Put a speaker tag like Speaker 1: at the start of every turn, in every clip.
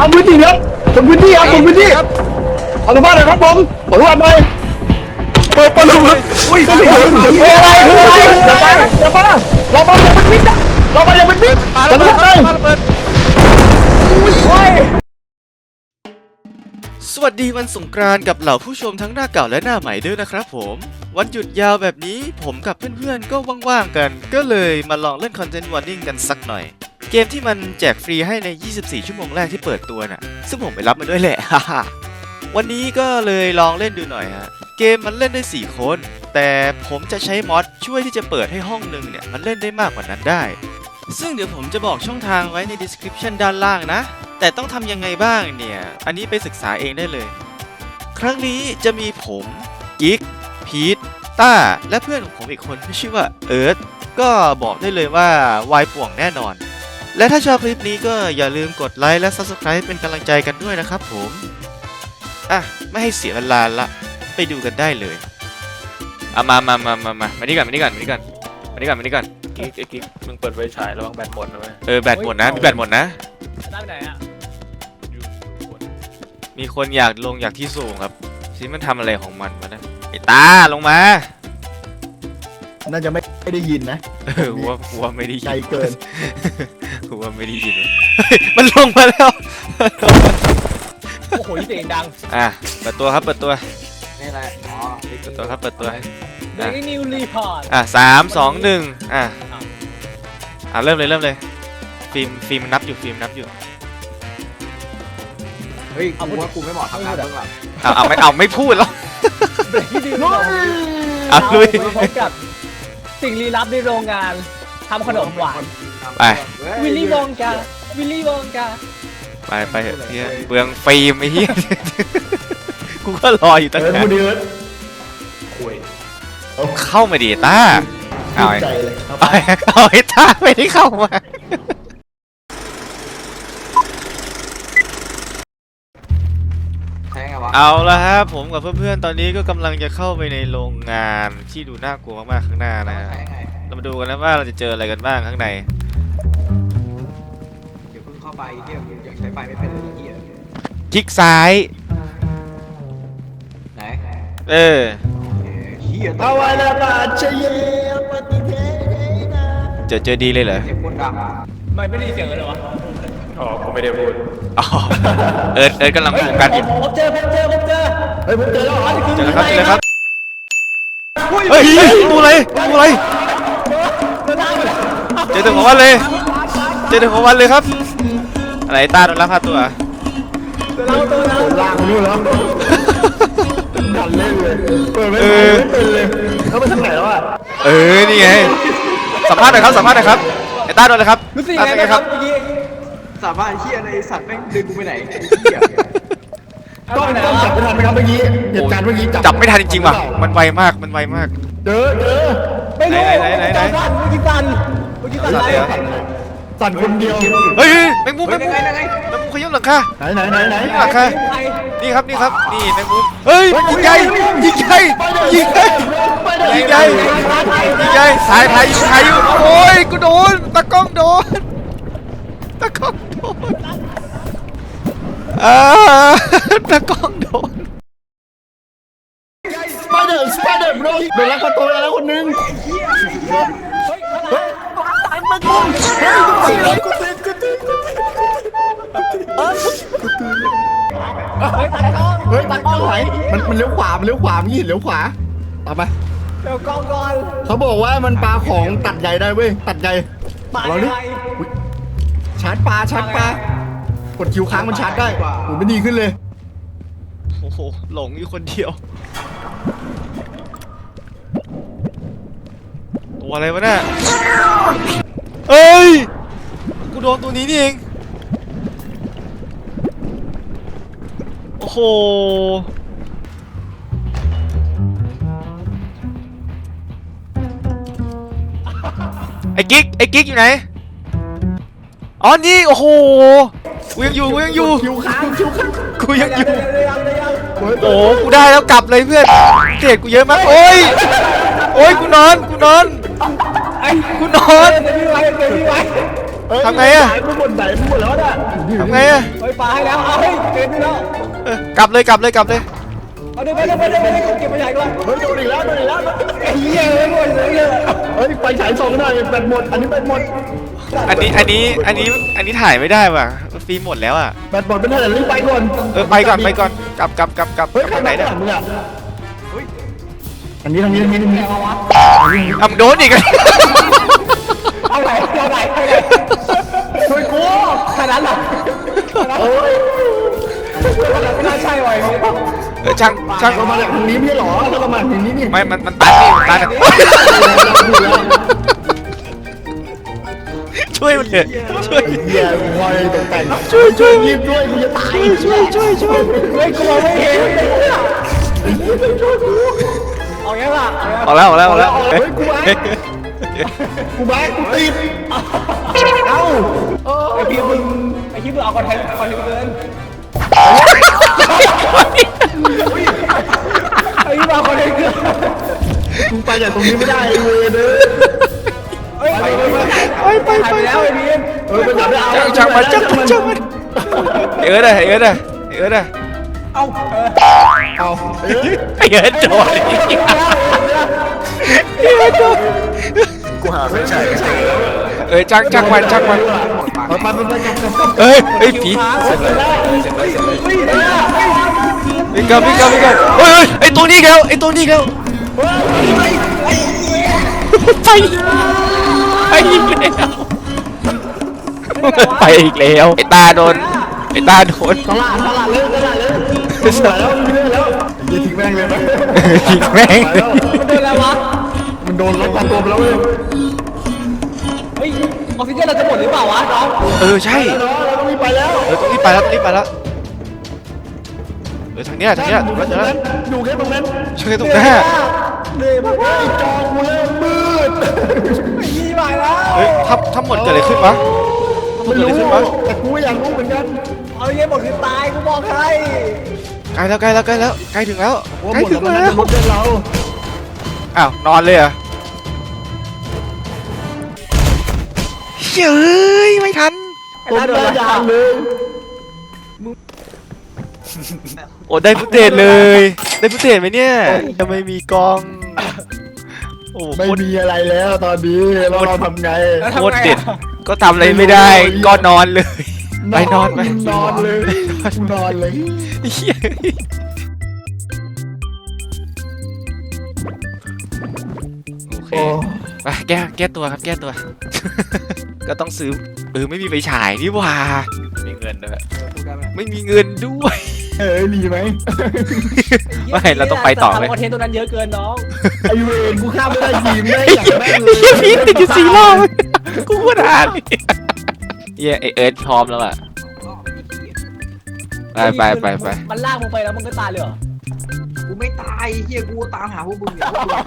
Speaker 1: ำพื้นที่ครับทำพื้นที่ครับทำพื้นที่เอาสภาพหน่อยครับผมขอโทษหน่อยเปิดประตูอุ้ยอะไรอะไรอย่าไปอย่าไปเรามาอย่าเป็นมิดนะเรามาอย่าเป็นมิดเราไม่ได้
Speaker 2: สวัสดีวันสงกรานต์กับเหล่าผู้ชมทั้งหน้าเก่าและหน้าใหม่ด้วยนะครับผมวันหยุดยาวแบบนี้ผมกับเพื่อนๆก็ว่างๆกันก็เลยมาลองเล่น Content Warning กันสักหน่อยเกมที่มันแจกฟรีให้ใน24ชั่วโมงแรกที่เปิดตัวน่ะซึ่งผมไปรับมาด้วยแหละ วันนี้ก็เลยลองเล่นดูหน่อยฮะเกมมันเล่นได้4คนแต่ผมจะใช้มอดช่วยที่จะเปิดให้ห้องนึงเนี่ยมันเล่นได้มากกว่านั้นได้ซึ่งเดี๋ยวผมจะบอกช่องทางไว้ใน description ด้านล่างนะแต่ต้องทำยังไงบ้างเนี่ยอันนี้ไปศึกษาเองได้เลยครั้งนี้จะมีผมกิ๊กพีทต้าและเพื่อนของผมอีกคนที่ชื่อว่าเอิร์ธก็บอกได้เลยว่าวายป่วงแน่นอนและถ้าชอบคลิปนี้ก็อย่าลืมกดไลค์และ Subscribe เป็นกำลังใจกันด้วยนะครับผมไม่ให้เสียเวลาละไปดูกันได้เลยมานี่ก่อน
Speaker 3: กิ๊กมึงเปิดไฟฉายระวังแบตหมดนะเว้ย
Speaker 2: แบตหมดนะมีแบตหมดนะ
Speaker 3: ได้ไหนอ่ะ
Speaker 2: มีคนอยากที่สูงครับซิมันทำอะไรของมันวะนะไอ้ตาลงมา
Speaker 1: น่าจะไม่ได้ยินนะ
Speaker 2: หัวไม่ได้ยิน
Speaker 1: ใจเกิน
Speaker 2: หัวไม่ได้ยินมันลงมาแล้ว
Speaker 3: โอ้โหเสียงดัง
Speaker 2: เปิดตัวครับเปิดตัว
Speaker 3: นี่อะไร
Speaker 2: เปิดตัวครับเปิดตัว
Speaker 3: เด็กนิวรีพอร์ต
Speaker 2: 3 2 1เริ่มเลยฟิล์มนับอยู่
Speaker 3: เฮ้ยกูว่ากูไม่เหมาะทำงานเบื้องหลัง
Speaker 2: ไม่พูดแล้ว
Speaker 3: ลุยพบกับสิ่งลี้ลับในโรงงานทำขนมหวาน
Speaker 2: ไป
Speaker 3: วิลลี่วองกา
Speaker 2: ไปเถอะเฮียเปลืองฟิล์มไอ้เฮียกูก็รออยู่ตั้งนานเข้ามาดิต้าเอาไอ้ต้าไม่ได้เข้ามาเอาละครับผมกับเพื่อนๆตอนนี้ก็กำลังจะเข้าไปในโรงงานที่ดูน่ากลัวมากๆข้างหน้านะเรามาดูกันนะว่าเราจะเจออะไรกันบ้างข้างใน
Speaker 3: เดี๋ยวเพิ่งเข้าไปเดี๋ยวอยากใช้ไฟไม่เป็นเลยเหี้ย
Speaker 2: คลิกซ้าย
Speaker 3: ไหน
Speaker 1: เอาไว้ละบาดเชยปฏิเทนะ
Speaker 2: เจอดีเลยเหรอ
Speaker 3: ไม่ได้เสียงเลยวะผมไม่ได้พูด
Speaker 2: เอิร์ธกำลังโฟกัสอยู่
Speaker 3: ผมเจอ
Speaker 1: ผมเจอแล้ว
Speaker 2: เจอแล้วครับเฮ้ยตัวอะไรเจอถึงของวันเลยครับอะไรตาโดนลักพาตัว
Speaker 1: ล่างนู่นแล้วดันเล่นเลยเปิดไม่เป็นเลยเขาไปทางไหนแล้ว
Speaker 2: นี่ไงสัมภาษณ์หน่อยครับไอ้ตาโดนเลยครับ
Speaker 3: รู้สึกยังไงครับสามารถเฮียในสัตว์แม่งดึงไปไหน
Speaker 1: ต้องจับไม่ทันไหมครับเมื่อกี้เหตุการณ์เมื่อกี้
Speaker 2: จับไม่ทันจริงๆว่ะมันไวมาก
Speaker 1: เจอ
Speaker 3: ไม่รู้ไหนเมื่อกี้สั่นอะไร
Speaker 1: สั่นคนเดียว
Speaker 2: เฮ้ยแมงมุมขยับหลังคา
Speaker 1: ไหน
Speaker 2: หลังคานี่ครับนี่แมงมุมเฮ้ยยิงใหญ่ถ่ายอยู่โอ้ยกูโดนตะกล้องโดนตะกล้องโดน
Speaker 1: สไปเดอร์โดนลักพาตัวแล้วคนนึงตายมันกูเฮ้ยตากล้องไหนมันเลี้ยวขวาเลี้ยวขวาตามไป
Speaker 3: เดี๋ยวกล้องก่อน
Speaker 1: เขาบอกว่ามันปลาของตัดใหญ่ได้เว้ยตัดใหญ่เราดิชาร์จปลากดคิวค้างมันชาร์จได้โหไม่ดีขึ้นเลย
Speaker 2: โอ้โหหลงอยู่คนเดียวตัวอะไรวะเนี่ยเอ้ยกูโดนตัวนี้นี่เองโอ้โหไอ้กิ๊กอยู่ไหนอ๋อนี่โอ้โหกูยังอยู่
Speaker 1: คิวค้าง
Speaker 2: กูยังอยู่โอ้กูได้แล้วกลับเลยเพื่อนเกรดกูเยอะมากโอ้ยกูนอน
Speaker 3: ทำ
Speaker 2: ไงอะ
Speaker 1: มันหมดแล้วนะ
Speaker 2: ทำไงอะ
Speaker 3: ปลาให้แล้วเอาให้เกินไปแล้ว
Speaker 2: กลับเลยกลับเลยกลับเลย
Speaker 3: เอาเดี๋ยวไปเก็บมาใหญ่ก่อน
Speaker 1: เฮ้ยโดนอีกแล้วโดนอีกแล้ว
Speaker 3: ไอ้เหี้ยเลยหมดเลย
Speaker 1: เฮ้ยไฟฉายส่องหน่อยแบตหมดอันนี้แบตหมด
Speaker 2: อันนี้ถ่ายไม่ได้ว่ะฟิล์มหมดแล้วอ่ะ
Speaker 1: แบตหมดเป็นเท่าไหร่รีบไปก่อน
Speaker 2: ไปก่อนกลับ
Speaker 1: เฮ้ย
Speaker 2: ทางไหนเนี่ย
Speaker 1: มึงอ่ะอันนี้ทางนี้
Speaker 3: เอาวะ
Speaker 2: อ่ะโดนอีก
Speaker 3: เอาไหน
Speaker 1: ช่วยกู
Speaker 3: ขนาดนั้น
Speaker 1: เอ้ย
Speaker 3: ไม่น่าใช่ว่ะ
Speaker 2: ช่าง
Speaker 1: เรามาจากทางนี้ไม่ใช่หรอถ้าเรามาทางนี้นี่
Speaker 2: ไม่มันตันนี่ตันช่วยมันเถอะช่วย
Speaker 1: เฮียคอยตกแต่งช่วยยิบด้วยกูจะตายช่วย
Speaker 3: ไม่กลัวไม่เห็นเอาอย่างละ
Speaker 2: ออกแล้ว
Speaker 1: เฮ้ยกูแบ๊กกูติดเอ้า
Speaker 3: ไอ้พี่มึงเอาคอนเทนต์เกินไอ้พี่เอาคอนเทนต์เกิน
Speaker 1: กูไปจากตรงนี้ไม่ได้เว้ยเด้อ
Speaker 3: ไปแล้วไอ้พี่
Speaker 1: ไปจับได้เอา
Speaker 2: ช่างมันเอิร์ดอะ
Speaker 1: เอา
Speaker 2: ไอเอิร์ดโดน
Speaker 1: กูหาไม่ใช่
Speaker 2: ช่างมัน
Speaker 1: ไปจับ
Speaker 2: เฮ้ยผีวิ่งกันเฮ้ยไอตัวนี้แล้วไปอีกแล้วไอตาโดน
Speaker 1: ตลาดเลยสวยแล้วมีเรื่องแล้วอย่าทิ้งแม่งเลยไหม
Speaker 2: ทิ้งแม่ง
Speaker 3: มันโดนแล้ววะ
Speaker 1: มันโดนล็อกคอตัวไปแล้วเว้ย
Speaker 3: เฮ้ยออกซิเจนเราจะหมดหรือเปล่าวะน้อง
Speaker 2: ใช่
Speaker 1: เราต้องรีบไปแล้ว
Speaker 2: ต้องรีบไปแล้วทางเนี้ยถูกแล้ว
Speaker 1: อยู่แค่ตรงนั้น
Speaker 2: ช่วยตรงหน้า
Speaker 3: เหนื่อยมาก
Speaker 1: จอกูเริ่มมืด
Speaker 3: ไอ้ยี่มาแล้ว
Speaker 2: เฮ้ยถ้าหมดเกิดอะไรขึ้นวะ
Speaker 1: ไม่รู้แต่กูอยากรู้เหมือนกัน
Speaker 3: เอาเงี้ยหมดคือตายกูบอกให้
Speaker 2: ใกล้แล้วใกล้ถึงแล้ว
Speaker 1: ว่าหมดแล้วมันรถเดินเรา
Speaker 2: อ้าวนอนเลยเหรอเฮ้ยไม่ทัน
Speaker 1: ต้นหน้ายางเลย
Speaker 2: โอ้ได้ฟุตเทจเลย ได้ฟุตเทจไหมเนี่ยจะไม่มีกล้องโอ้
Speaker 1: ไม่มีอะไรแล้วตอนนี้เราทำไง
Speaker 2: โคตรเด็ดก็ทำอะไรไม่ได้ก็นอนเลยไปนอนไป
Speaker 1: นอนเลยนอนเลย
Speaker 2: เหี้ยโอเคไปแก้ตัวครับแก้ตัว ก็ต้องซื้อไม่มีไฟฉายนี่หว่าไม่มีเงินด้วยไม่มีเงินด้วย
Speaker 1: ดีไหม
Speaker 2: ไม่เราต้องไปต่อไหม
Speaker 3: คอนเทนต์ตัวนั้นเยอะเกินน้อง
Speaker 1: ไอเวนกูข้ามไม่ได้ทีมไม่อยากแม่งเลย
Speaker 2: พี่ติดอยู่4 รอบกูพูดอ่านเย้ไอเอิร์ธพร้อมแล้วอ่ะไป
Speaker 3: มันลากมึงไปแล้วมึงก็ตายเลยเหรอ
Speaker 4: กูไม่ตายเฮียกูตามหาพวกมึงอยู่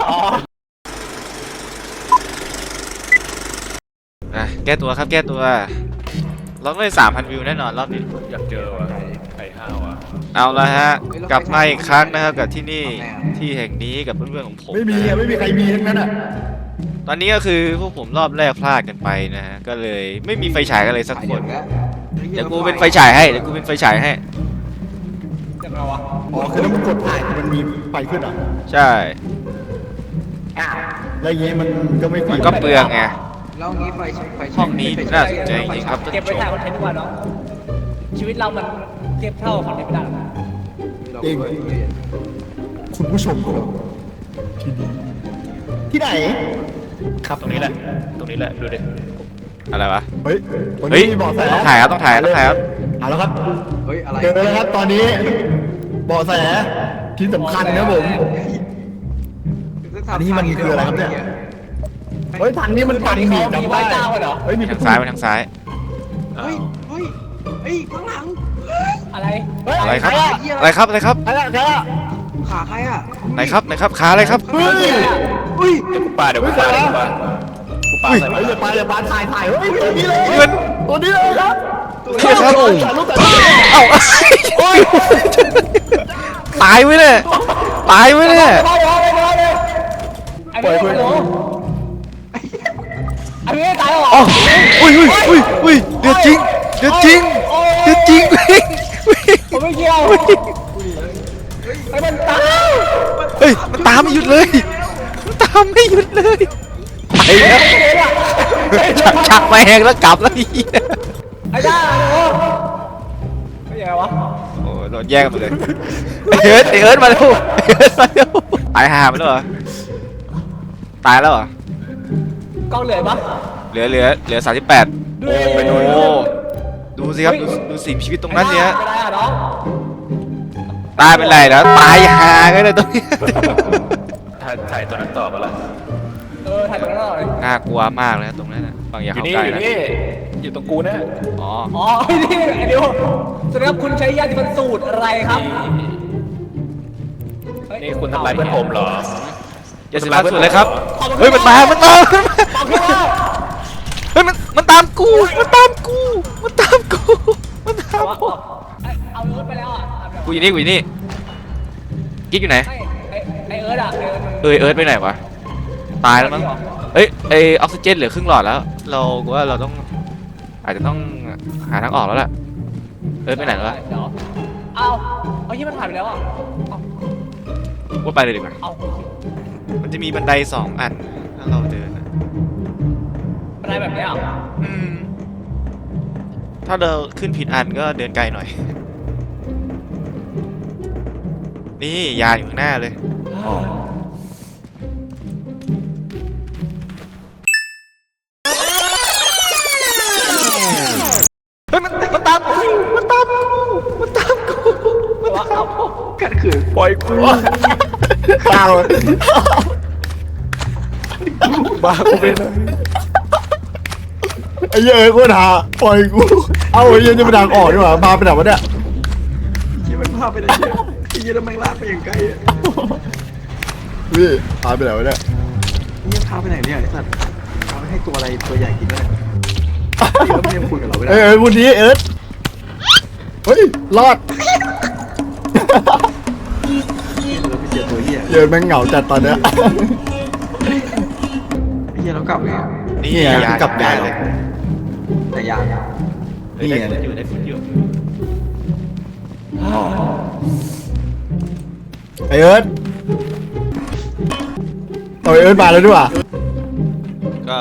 Speaker 2: แก้ตัวครับแก้ตัวเราได้ 3,000 วิวแน่นอนรอบนี้
Speaker 5: อยากเจอว่ะไข่ห้าวอ่ะ
Speaker 2: เอาละฮะกลับมาอีกครั้งนะครับกับที่นี่ที่แห่งนี้กับเพื่อนๆของผม
Speaker 1: ไม่มีใครมีทั้งนั้นอ่ะ
Speaker 2: ตอนนี้ก็คือพวกผมรอบแรกพลาดกันไปนะฮะก็เลยไม่มีไฟฉายกันเลยสักคนเดี๋ยวกูเป็นไฟฉายให้
Speaker 3: ยังไงวะ
Speaker 1: อ๋อคือถ้ามึงกดถ่ายมันมีไฟขึ้นอ่ะ
Speaker 2: ใช่
Speaker 1: แล้วอย่างงี้มันก็ไม่
Speaker 2: มันก็เปลืองไง
Speaker 4: แล้วงี้ไฟ
Speaker 2: ห้องนี้น่าสนใจจริงๆครับท่าน
Speaker 3: เก็บ
Speaker 2: ผู้
Speaker 3: ไป
Speaker 2: ชม
Speaker 3: ถ่ายคอนเทนต์ดีกว่าน้องชีวิตเรามันเทียบเท่าคอนเทนต์ไม่ได้หรอก
Speaker 1: เองคุณผู้ชมครับที่ไหนครับ
Speaker 5: ตรงนี้แหละดูดิ
Speaker 2: อะไรวะ
Speaker 1: เฮ้ยวัน
Speaker 2: เฮ้ย
Speaker 1: นี้มีเบาะแส
Speaker 2: ต้องถ่ายครับ
Speaker 1: เอาแล้วครับ
Speaker 4: เฮ้ยอะไร
Speaker 1: เจอแล้วครับตอนนี้เบาะแสที่สำคัญนะผม อันนี้มันคืออะไรครับเนี่ย เฮ้ยทางนี้มันปันหนี
Speaker 3: มีไม้เจ้าเหรอ
Speaker 1: เฮ้ยมี
Speaker 2: ทางซ้ายไปทางซ้าย
Speaker 4: เฮ้ยข้างหลัง
Speaker 3: อะไร
Speaker 2: อะไรครับอะไรครับ
Speaker 1: ใครละ
Speaker 4: ขาใครอ่ะ
Speaker 2: ไหนครับขาอะไรครับ
Speaker 1: เฮ้ย
Speaker 5: เดี๋ยวกูปาใส่
Speaker 1: เฮ้ย อย่าปาถ่ายเฮ้ยตัวนี้เลย
Speaker 2: เงิน
Speaker 1: ตัวนี้เลยครับ
Speaker 2: เฮ้ยครับ
Speaker 1: ถ่ายรูปแต่
Speaker 2: เอ้าตายไว้เนี่ย
Speaker 3: อันนี้โอ้อันนี้ตายหรอ
Speaker 2: อ๋ออุ้ยเดือดจริง
Speaker 3: โอ้
Speaker 2: จริงวิ่ง
Speaker 3: ผมไม่เกี่ยวไอ้มันตาย
Speaker 2: เฮ้ยมันตามไม่หยุดเลยมันตามไม่หยุดเลยไอ้เนี่ยชักมาแหงแล้วกลับแล้วอี
Speaker 3: ไอ้ด้าโอ้ไม่ยังไงวะ
Speaker 2: โอ้โดนแย่งกันหมดเลยไอเอิร์ธมาแล้วไอเอิร์ธมาแล้วตายห่าไปแล้วเหรอตายแล้วเหรอก
Speaker 3: ล้องเหลือปะ
Speaker 2: เหลือ38โอ้ดูสิครับดูสิ่งมีชีวิตตรงนั้นเนี่ย
Speaker 3: ไม่ได้อะน้อง
Speaker 2: ตายเป็นไรแล้วตายห่ากันเลยตรงนี้
Speaker 5: ถ้าถ่ายตัวนั้นต่อมาละ
Speaker 3: ถ่ายตรงนั้นหน่อย
Speaker 2: น่ากลัวมากเลยนะตรงนั้นนะบางอย่า
Speaker 5: อยู่
Speaker 2: เข้า
Speaker 5: นี่
Speaker 2: ใกล้
Speaker 5: อยู่
Speaker 2: นะ
Speaker 5: นี่อยู่ตรงกูนะ
Speaker 2: อ๋อ
Speaker 3: อ๋อนี่ไอ้เดียวแสดงว่าคุณใช้ยาที่มันสูตรอะไรครับ
Speaker 5: นี่คุณทำลายเพื่อนผมเหรอ
Speaker 2: อย่าเสียสุดเลยครับเฮ้ยมันมาเฮ้ยมันตามกูมันตามกู
Speaker 3: เอาเอิร์ธไปแล้วอ่ะ
Speaker 2: กูอยู่นี่กิ๊กอยู่ไหน
Speaker 3: ไอเอิร์ธอ่ะ
Speaker 2: เอิร์ธไปไหนวะตายแล้วมั้งเอ้ยไอออกซิเจนเหลือครึ่งหลอดแล้วเราว่าเราต้องอาจจะต้องหาทางออกแล้วล่ะเอิร์ธไปไหนแล้ววะ
Speaker 3: เอาที่มันผ่านไปแล้วอ่ะ
Speaker 2: ว่าไปเลยดีกว่า
Speaker 3: เอา
Speaker 2: มันจะมีบันได2 อันถ้าเราเดินอะ
Speaker 3: อะไรแบบนี้อ่ะ
Speaker 2: ถ้าเราขึ้นผิดอันก็เดินไกลหน่อย นี่ยาอยู่ข้างหน้าเลยเฮ้ยมันตามกู
Speaker 4: กันคือ
Speaker 5: ปล่อยกู
Speaker 1: เปล่า
Speaker 5: บ้ากูเป็น
Speaker 1: ไอ้เหี้ยโคตรหาปล่อยกูเอาไอ้เหี้ยจะมาดังออกดีกว่ามาไปไหนวะเนี่ย
Speaker 4: ที่มันพาไปไหนเนี่ยไอ้เหี้ยแล้วแม่งลากไปอย่างไกลอะ
Speaker 1: พี่พาไปไหนวะเนี่ย
Speaker 4: นี่พาไปไหนเนี่ยไอ้สัตว์พาไปให้ตัวอะไรตัวใหญ่กินได้ที่เขาไม่ได้คุยกับเราไม่ได้
Speaker 1: เอ้ยวันนี้เอิร์ธเฮ้ยรอด
Speaker 4: เราไม่เจอตัวเหี้ย
Speaker 1: เยินแม่งเหงาจัดตอนเนี้ย
Speaker 4: ไอ้เหี้ยเรากลับไง
Speaker 2: นี่
Speaker 1: นี่ไง
Speaker 2: ยาก
Speaker 1: ลับได้
Speaker 2: เลย
Speaker 4: แต่ยาง
Speaker 1: นี่ไง
Speaker 5: ได้ฝุ่นอยู่
Speaker 1: ไอเอิร์ธเอาไอเอิร์ธมาแล้วด้วยว่ะ
Speaker 2: ก็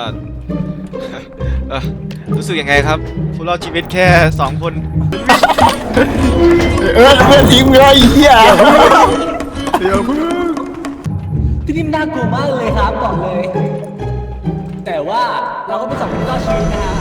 Speaker 2: รู้สึกยังไงครับผู้รอดชีวิตแค่2 คน
Speaker 1: ไอเอิร์ธเพื่อนทิ้งมึงแล้วไอ้เหี้ย
Speaker 4: เดี๋ยวพึ่ง
Speaker 3: ที่นี่น่ากลัวมากเลยครับบอกเลย แต่ว่าเราก็เป็นสองคนรอดชีวิตนะฮะ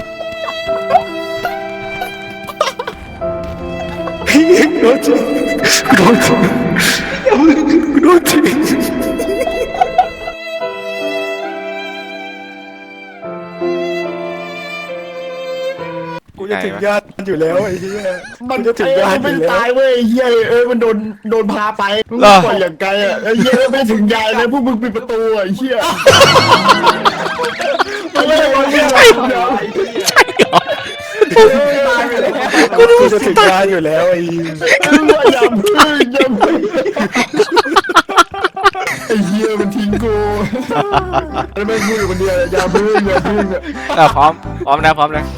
Speaker 5: กูจะถึงญาติอยู่แล้วไอ้เหี้ย
Speaker 1: มัน
Speaker 5: จะถึงยานอ
Speaker 1: ไม่
Speaker 5: ยู่แล้ว
Speaker 1: ตายเว้ยไอ้เหี้ยเอิร์ธมันโดนพาไปมึงปล่อยอย่างไกลอ่ะไอ้เหี้ยไม่ถึงยายเลยพวกมึงปิดประตูอ่ะไอ้เหี้ยไม่ได้บอลเนี่ย
Speaker 2: ใช่เหรอ
Speaker 5: กูจะถึงญาติอยู่แล้วไอ้
Speaker 1: อย่าพึ่งไอ้เหี้ยมันทิ้งกูแล้วไม่พูดอยู่คนเดียวอย่าพึ่ง
Speaker 2: พร้อมนะ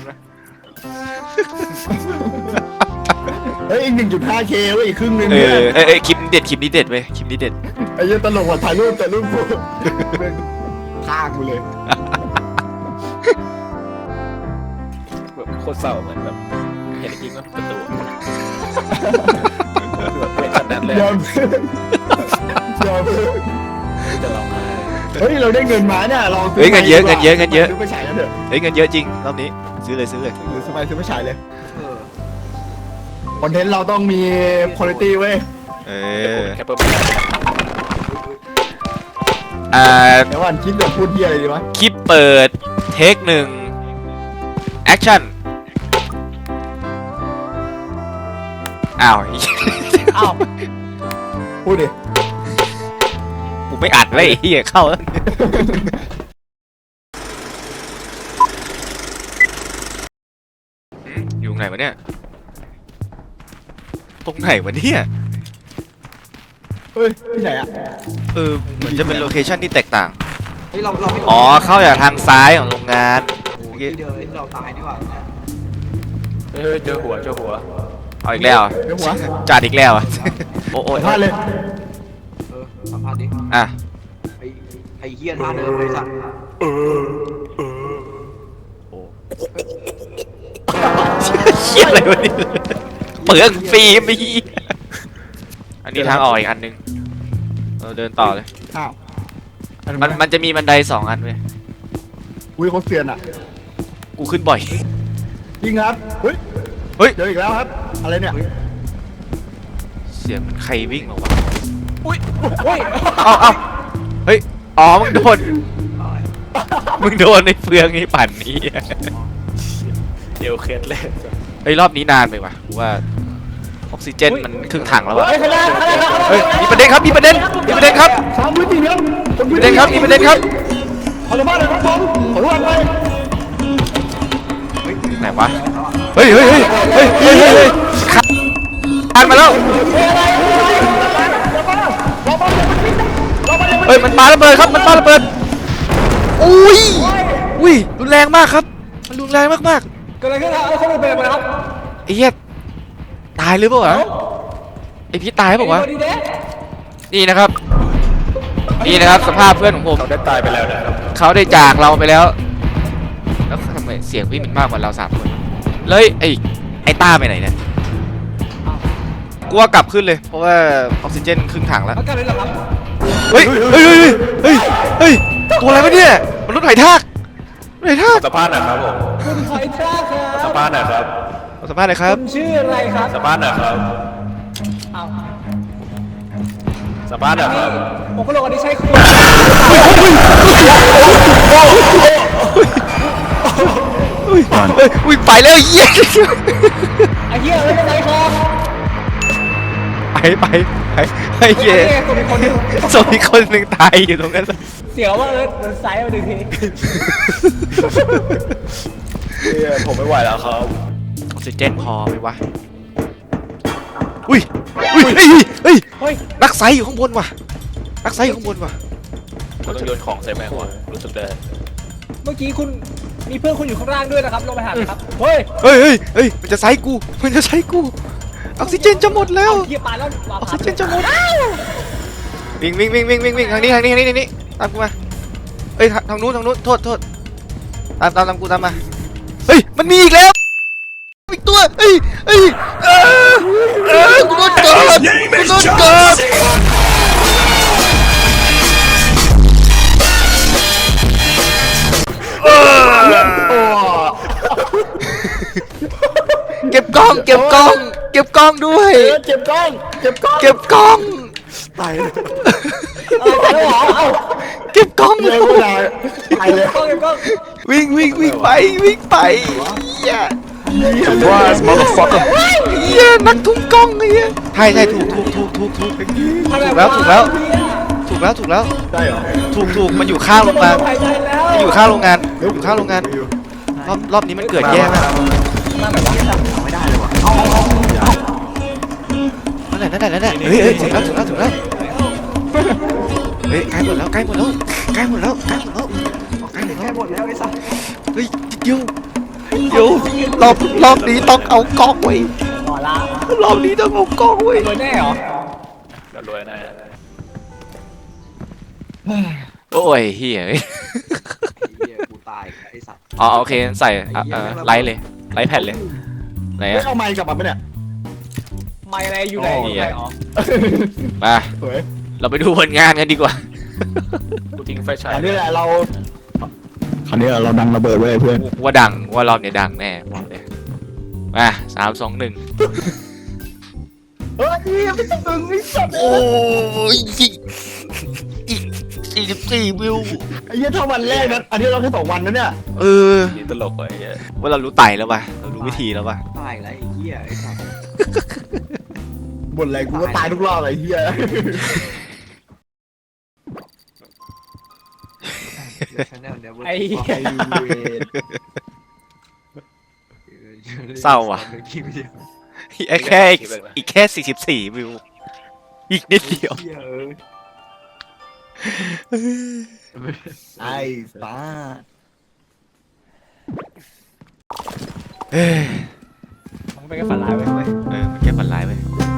Speaker 1: เฮ้ยอีก 1.5K เว้ยอีกครึ่งนึง
Speaker 2: เอ
Speaker 1: เนี่ย
Speaker 2: อคลิปนี้เด็ดเว้ยคลิปนี้เด็ด
Speaker 1: ไอ้เหี้ยตลกว่ะถ่ายรูปแต่รูปกูฆ่ากูเลย
Speaker 5: แบบโคตรเศร้าเหมือนแบบเห็นจริงว่าประตูแบบเป็นขนาดนั้นเลย
Speaker 1: อย่าพึ่ง
Speaker 5: จะร้องไห้
Speaker 1: เฮ้ยเราได้เงินมาเนี่ยลองซื้
Speaker 2: เฮ้ยเงินเยอะ
Speaker 1: ซื้อไปฉายกันเถอะ
Speaker 2: เฮ้ยเงินเยอะจริงรอบนี้ซื้อเลย
Speaker 1: หรือซื้อไปฉายเลย
Speaker 4: เออ
Speaker 1: คอนเทนต์เราต้องมีคุณภาพเว้ย
Speaker 2: เอ
Speaker 5: แค่เปิดไม่ได้
Speaker 1: เดี๋ยววันคิดแบบพูดเหี้ยอะไรดีวะ
Speaker 2: คลิปเปิดเทค1แอคชั่นอ้าว
Speaker 3: อ้าว
Speaker 1: พูดดิ
Speaker 2: กูไม่อัดเลยไอ้เหี้ยเข้าแล้วอยู่ไหนวะเนี่ยตรงไหนวะเนี่ย
Speaker 1: เฮ้ยที่ไหนอ่ะ
Speaker 2: เหมือนจะเป็นโลเคชั่นที่แตกต่าง
Speaker 4: เฮ้ยเราไม่
Speaker 2: อ๋อเข้าจากทางซ้ายของโรงงาน
Speaker 4: โอ้ยที่เดินเราตายนี่หว่า
Speaker 5: เฮ้ยเจอหัว
Speaker 2: เอาอีกแล้ว
Speaker 1: เดี๋ยวหัว
Speaker 2: จัดอีกแล้วอะโอ้โอ้
Speaker 1: พลาดเลย
Speaker 4: สัมภาษณ์ดิ
Speaker 2: อ่ะ
Speaker 4: ไอ้เฮียท่าเดิมเลยสัตว์
Speaker 2: เชี่ยอะไรวะเนี่ยเปลืองฟิล์มอีกอันนี้ทางออกอีกอันนึงเดินต่อเลย
Speaker 1: อ้าว
Speaker 2: มันจะมีบันได2 อันเว้ย
Speaker 1: อุ้ยเขาเซียนอ่ะ
Speaker 2: กูขึ้นบ่อย
Speaker 1: จริงครับเฮ้ย
Speaker 2: เฮ้ย
Speaker 1: เจออีกแล้วครับ อะไรเนี่ย
Speaker 2: เสียงมันใครวิ่งออกมา
Speaker 3: อุ้ย
Speaker 2: เอาเฮ้ย อ๋อ มึงโดนในเฟืองไอ้ปั่นนี้
Speaker 5: เดี๋ยวเคล็ดเลย
Speaker 2: เฮ้ย รอบนี้นานไปว่ะกูว่าออกซิเจนมันครึ่งถังแล้วว่ะ
Speaker 3: เฮ้ยข้างหน้า
Speaker 2: เฮ้ย มีประเด็นครับ มีประเด็นครับ
Speaker 1: สามพื้นที่ครับ
Speaker 2: มีประเด็นครับ มีประเด็นครับ
Speaker 1: ขออนุญาตเลยครับผมขออนุญาตเลย
Speaker 2: ไหนวะ เฮ้ยคานมาแล้ว เฮ้ย มันปาระเบิดครับ มันปาระเบิด อุ้ย รุนแรงมากครับ มันรุนแรงมาก
Speaker 3: เกิดอะไรขึ้นครับเอาข้อมูลไปเลยครับ
Speaker 2: ๆไอ้เหี้ยตายหรือเปล่าวะไอพี่ตายเปล่าวะ
Speaker 3: ดีเด้
Speaker 2: นี่นะครับ สภาพเพื่อนของผม
Speaker 5: เขาได้ตายไปแล้วนะครับ
Speaker 2: เขาได้จากเราไปแล้ว แล้วทำไมเสียงพี่มันมากกว่าเรา3 คนเลยไอ้ต้าไปไหนเนี่ยกูว่ากลับขึ้นเลย เพราะว่าออกซิเจนครึ่งถังแล้ว
Speaker 3: เอากันเลยเหรอครับ
Speaker 2: เฮ้ยตัวอะไรวะเนี่ยมันรถไถทากรถไถทาก
Speaker 5: สัมภาษณ์หน่อยครับผม
Speaker 3: คุณหอยทรากค
Speaker 5: สั
Speaker 3: รั
Speaker 5: ม
Speaker 3: บ
Speaker 5: ภาษณ์หน่อยครับ
Speaker 2: สัมภาษณ์หน่อยครับ
Speaker 3: คุณชื่ออะไรครับ
Speaker 5: สัมภาษณ์หน่อยครับ
Speaker 3: เอา
Speaker 5: สัมภาษณ์หน่อยครับ
Speaker 3: ผมก็ลงอันนี้ใช่คุณ
Speaker 2: อุ้ยไปแล้วเหี้ย
Speaker 3: ไอ้เหี้ยไม่เป็นไรครับ
Speaker 2: ไปไอ้เหี้ย
Speaker 3: ตัวเป็นคนหนึ่ง
Speaker 2: ส่งอีกคนหนึ่งตายอยู่ตรงนั้น
Speaker 3: เสียวว่าเดินซ้ายมาหนึ่งที
Speaker 5: ผมไม่ไหวแล้วครับ
Speaker 2: ออกซิเจนพอไหมวะเฮ้ย
Speaker 3: เฮ้ย
Speaker 2: นักไซอยู่ข้างบนว่ะนักไซอยู่ข้างบนว่ะ
Speaker 5: เราต้องโยนของใส่แมงว่ะรู้สึกได้
Speaker 3: เมื่อกี้คุณมีเพื่อนคุณอยู่ข้างล่างด้วยนะครับลงไปหาครับเฮ้ย
Speaker 2: เฮ้ยมันจะไซกูออกซิเจนจะหมดแล้ว
Speaker 3: เหี้ยปาแล้ว
Speaker 2: ออกซิเจนจะหมดวิ่งทางนี้ตามกูมาเอ้ยทางนู้นโทษตามกูตามมาเฮ้ยมันมีอีกแล้วอีกตัวเอ้ยกูโดนกดเก็บกล้องด้วย
Speaker 1: เจ็บกล้อง
Speaker 2: เก็บกล้อง
Speaker 1: ตายเลย
Speaker 3: ตายแล้วเหรอเอ้า
Speaker 2: เก็บกล้อง
Speaker 1: เลยไม่ได้ตายเลย
Speaker 3: กล้องกล้อง
Speaker 2: วิ่งไปเหี้ย
Speaker 1: Surprise motherfucker
Speaker 2: เหี้ยนักทุ่มกล้องไอ้เหี้ยใช่ถูกแล้ว
Speaker 1: ได้เหรอ
Speaker 2: ถูกมันอยู่ข้างโรงงาน
Speaker 3: หายใจแล้ว
Speaker 2: มันอยู่ข้างโรงงานรอบนี้มันเกิดแย่มาก
Speaker 4: ไม่ได้เลยว่ะ
Speaker 2: นั่นแหละเฮ้ยถึงแล้วเฮ้ยใกล้หมดแล้ว
Speaker 4: แค่หมดแล้วไอ้สัส
Speaker 2: เฮ้ยเดี๋ยวรอบนี้ต้องเอากล้องไว้
Speaker 3: ต่อละ
Speaker 2: รอบนี้ต้องเอากล้องไว้
Speaker 3: รวยแน่เหรอ
Speaker 5: เรารวยแน่
Speaker 2: โอ้ยเฮีย
Speaker 4: ไอ้เฮียกูตายไอ้สัส
Speaker 2: อ๋อโอเคใส่ไลท์เลยไลท์แผ่นเลยไหน
Speaker 1: ไม่
Speaker 2: อะ
Speaker 1: เอาไมค์กลับมาไหมเนี่ย
Speaker 3: ไม่อะไรอยู่ไหน
Speaker 2: อ๋อ
Speaker 3: อยู่ไหนอ๋อ
Speaker 2: มา
Speaker 1: สวย
Speaker 2: เราไปดูผลงานกันดีกว่า
Speaker 5: กูทิ้งไฟฉาย
Speaker 1: อันนี้แหละเราคราวนี้เราดังระเบิดไว้เพื่อน
Speaker 2: ว่ารอบนี้ดังแน่บอกเลยมา3 2 1
Speaker 1: เฮ้ยไม่ต้องดึงไอ้สัตว์
Speaker 2: โอ้ย44 วิว
Speaker 1: ไอ้เหี้ยถ้าวันแรกนั้นอันนี้เราแค่2 วันนะเนี่ย
Speaker 5: นี่ตลกไอ้เหี้ย
Speaker 2: ว่าเรารู้ไต่แล้วป่ะเรารู้วิธีแล้วป่ะ
Speaker 4: ตายแล้วไอ้เฮียไอ้สัส
Speaker 1: บ่นอะไรกูก็ตายทุกรอบเลยไอ้เหี้ย
Speaker 3: ไอ้เหี้ย
Speaker 2: เศร้าว่ะอีกแค่44 วิว อีกนิดเดียว
Speaker 1: ไอ้ตา
Speaker 3: มันเป็นแค่ฝันร้ายไปเว้ย
Speaker 2: มันแค่ฝันร้ายไป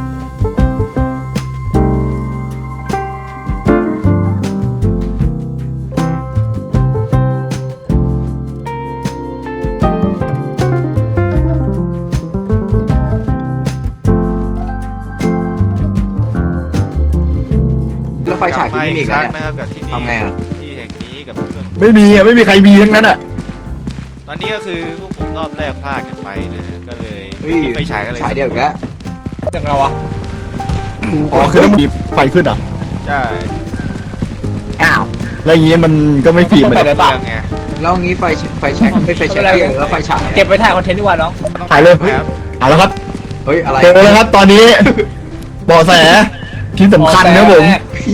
Speaker 4: แล้วไฟฉายที่นี่มีอีก
Speaker 2: ค
Speaker 4: แล้
Speaker 2: รั้
Speaker 4: ว
Speaker 2: ง
Speaker 4: เนี่ย
Speaker 2: นะครับกับที่นี่
Speaker 4: ทำไงอะ
Speaker 2: ที่แห่งนี้กับเพื่อน
Speaker 1: ไม่มีไม่มีใครมีทั้งนั้นอ่ะ
Speaker 2: ตอนนี้ก็คือพวกผมรอบแรกพลาดกันไปนะก็เลย
Speaker 4: เฮ้ย
Speaker 2: ไปฉายกันเลย
Speaker 4: ฉายเดียวอีกแล้ว
Speaker 3: จังเราอะ
Speaker 1: อ๋อคือต้องมีไฟขึ้นเหรอ่ะ
Speaker 2: ใช่
Speaker 1: อ้าวแล้วอย่างงี้มันก็ไม่ฟีดมัน
Speaker 2: เรื่องไง
Speaker 4: แล้วงี้ไฟแช็กไม่ไฟแช็กแล้วไฟฉาย
Speaker 3: เก็บไปถ่ายคอนเทนต์ดีกว่าน้อง
Speaker 1: ถ่ายเลย
Speaker 2: ครับ
Speaker 1: เอาแล้วครับ
Speaker 4: เฮ้ยอะไร
Speaker 1: เจอแล้วครับตอนนี้เบาะแสที่สำคัญนะครับผม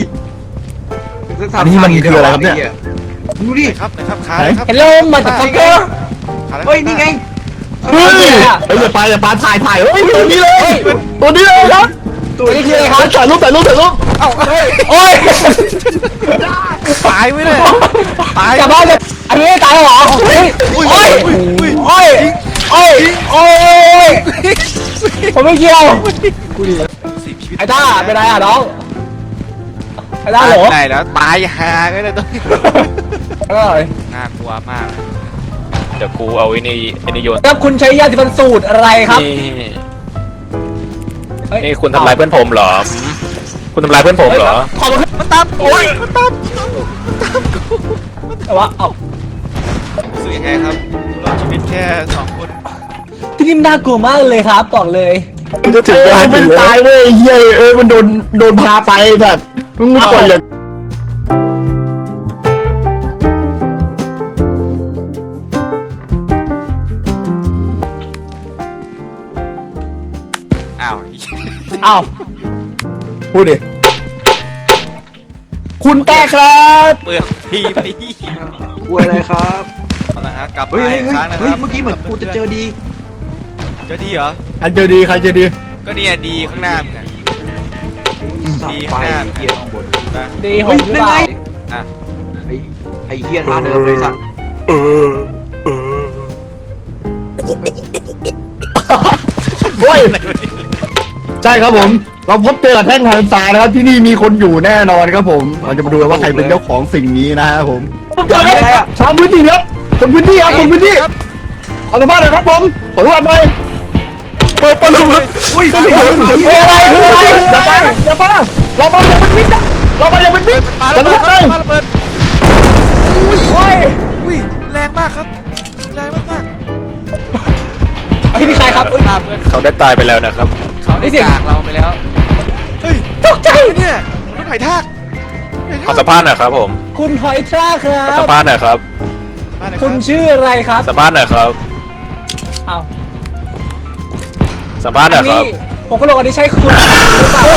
Speaker 1: อันนี้มันคืออะไรครับเนี่ย
Speaker 4: ดูดิ
Speaker 2: นะครับขาเลยครับ
Speaker 3: เฮลโลมาจากฟักเกอร์
Speaker 2: ขาล
Speaker 4: เฮ้ยนี่ไง
Speaker 1: เฮ้ยอย่าไปถ่ายเฮ้ยตัวนี้เลยตัวนี้เลยครับ
Speaker 4: ตัวนี้คืออะไรค
Speaker 1: ถ่า
Speaker 4: รับ
Speaker 1: ยรูป
Speaker 2: เอ้าเฮ้ย
Speaker 3: โอ้ย
Speaker 2: ตายไว้เลยตาย
Speaker 3: กลับบ้านเลยอันนี้ตายเหรอโอ้ยโอ้ยโอ้ยโอ้ยโอ้ยผมไม่เกี่ยว
Speaker 2: สิบชีวิต
Speaker 3: ไอ้ต้าเป็นไรอ่ะน้องไอ้ต้าเหรอ
Speaker 2: ไหนแล้วตายหาก็เลยตอนนี้
Speaker 3: เออ
Speaker 2: น่ากลัวมาก
Speaker 5: เดี๋ยวกูเอาไอ้นี่โยน
Speaker 3: แล้วคุณใช้ยาสีฟันสูตรอะไรครับ
Speaker 5: นี่คุณทำลายเพื่อนผมเหรอคุณทำลายเพื่อนผมเหรอ
Speaker 3: ขอบคุณ
Speaker 2: มันตามโอ้ยมันตาม
Speaker 3: แต่ว่าเอ้า
Speaker 2: รู้สึกยังไงครับรอดชีวิตแค่2 คน
Speaker 3: ที่นี่น่ากลัวมากเลยครับบอกเลย
Speaker 1: มันจะถึงมันตายเว้ยเฮ้ยมันโดนพาไปแบบมึงไม่ควรอย่าง
Speaker 2: อ้าว
Speaker 3: เอ้า
Speaker 1: พูดดิคุณแต่ครับ
Speaker 2: เปลือกทีไป
Speaker 4: กลัวอะไรครับ
Speaker 2: เอาละฮะกลับ
Speaker 4: เฮ้
Speaker 2: มาย อีก
Speaker 4: เฮ้ย
Speaker 2: ครั้งนะค
Speaker 4: เฮ้ย
Speaker 2: รับ
Speaker 4: เมื่อกี้เหมือนกูจะเจอดี
Speaker 2: เจอดีเหรอ
Speaker 1: ใครเจอดีใครเจอดี
Speaker 2: ก็เนี่ยดีข้างหน้ามึงอะ ดี
Speaker 4: ไฟ
Speaker 2: ข้างหน้า
Speaker 4: เกียร์ข้างบน
Speaker 2: นะ
Speaker 3: ดีผ
Speaker 4: เฮ้
Speaker 3: ม
Speaker 4: ย
Speaker 3: หรือ
Speaker 4: นั่น
Speaker 3: เป
Speaker 4: ไง
Speaker 3: ล่า
Speaker 2: อ่ะ
Speaker 4: ไอ้เกียร์ท่าเดิมเลยสัตว์
Speaker 1: โอ้ยใช่ครับผม เราพบเจอกับแท่งหันษานะครับที่นี่มีคนอยู่แน่นอนครับผมเราจะมาดูกันว่าใครเป็นเจ้าของสิ่งนี้นะครับผมชาวพื้นที่ครับคนพื้นที่ครับคนพื้นที่ขอสัมภาษณ์หน่อยครับผมขอสัมภาษณ์หน่อยเปิดประตูอุ้ยอะไรอย่าไปเรามาอย่าเป็นมิดนะเรามาอย่าเป็นมิด
Speaker 2: ปา
Speaker 1: สั
Speaker 2: ระ
Speaker 1: ม
Speaker 2: เบิ
Speaker 1: ภา
Speaker 2: ด
Speaker 1: ษณ์หน่อย
Speaker 2: ปาระเบิด
Speaker 3: โอ้ย
Speaker 2: อุ้ยแรงมากครับแรงมาก
Speaker 3: ไอ้นี่ใครครับ
Speaker 2: ตามเพื่อน
Speaker 5: เขาได้ตายไปแล้วนะครับ
Speaker 2: เขาได้จากเราไปแล้วเฮ้ยตกใจเนี่ยรถไถทาก
Speaker 5: ขอสัมภาษณ์หน่อยครับผม
Speaker 3: คุณหอยทรากครั
Speaker 5: ขอสั
Speaker 3: บ
Speaker 5: มภาษณ์หน่อยครับ
Speaker 3: คุณชื่ออะไรครับ
Speaker 5: สัมภาษณ์หน่อยครับ
Speaker 3: เอ้า
Speaker 5: สัมภาษณ์หน่
Speaker 3: อั
Speaker 5: อน ยค
Speaker 3: นี้
Speaker 5: รับ
Speaker 3: ผมก็ลงอันนี้ใช่คุณหรือเปล่า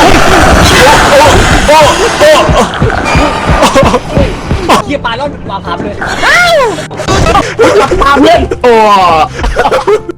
Speaker 3: เฮียปลาแล้วมาพับเลย
Speaker 1: ปาเพื่อนโอ้